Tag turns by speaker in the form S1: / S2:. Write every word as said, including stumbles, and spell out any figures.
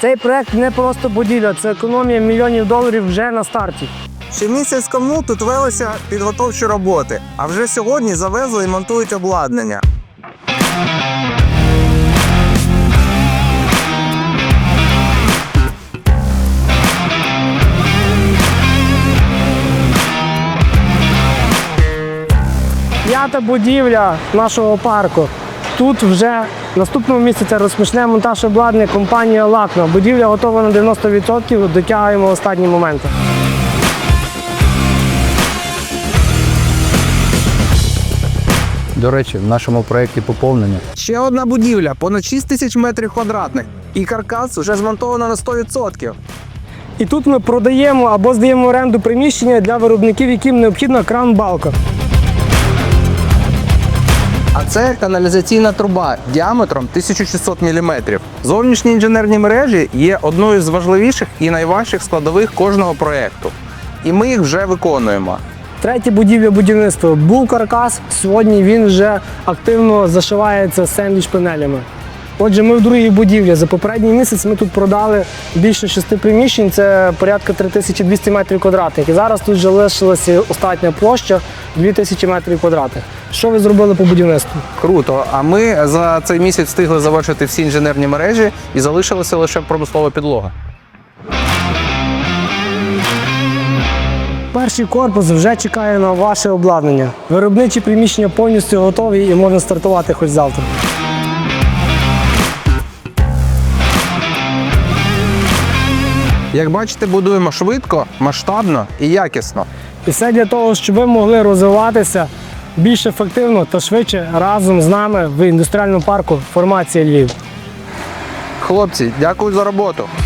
S1: Цей проект не просто будівля, це економія мільйонів доларів вже на старті.
S2: Ще місяць тому тут велися підготовчі роботи, а вже сьогодні завезли і монтують обладнання.
S1: П'ята будівля нашого парку. Тут вже наступного місяця розпочне монтаж обладнання компанія «Лакна». Будівля готова на дев'яносто відсотків, дотягуємо останні моменти.
S3: До речі, в нашому проєкті поповнення.
S2: Ще одна будівля, понад шість тисяч метрів квадратних. І каркас вже змонтовано на сто відсотків.
S1: І тут ми продаємо або здаємо в оренду приміщення для виробників, яким необхідна кран-балка.
S2: А це каналізаційна труба діаметром тисяча шістсот міліметрів. Зовнішні інженерні мережі є одною з важливіших і найважчих складових кожного проєкту. І ми їх вже виконуємо.
S1: Третя будівля будівництва. Був каркас, сьогодні він вже активно зашивається сендвіч-панелями. Отже, ми в другій будівлі. За попередній місяць ми тут продали більше шести приміщень, це порядка три тисячі двісті метрів квадратних. І зараз тут вже лишилася остатня площа дві тисячі метрів квадратних. Що ви зробили по будівництву?
S2: Круто. А ми за цей місяць встигли завершити всі інженерні мережі і залишилася лише промислова підлога.
S1: Перший корпус вже чекає на ваше обладнання. Виробничі приміщення повністю готові і можна стартувати хоч завтра.
S2: Як бачите, будуємо швидко, масштабно і якісно.
S1: І все для того, щоб ви могли розвиватися більш ефективно та швидше разом з нами в індустріальному парку «Формація Львів».
S2: Хлопці, дякую за роботу.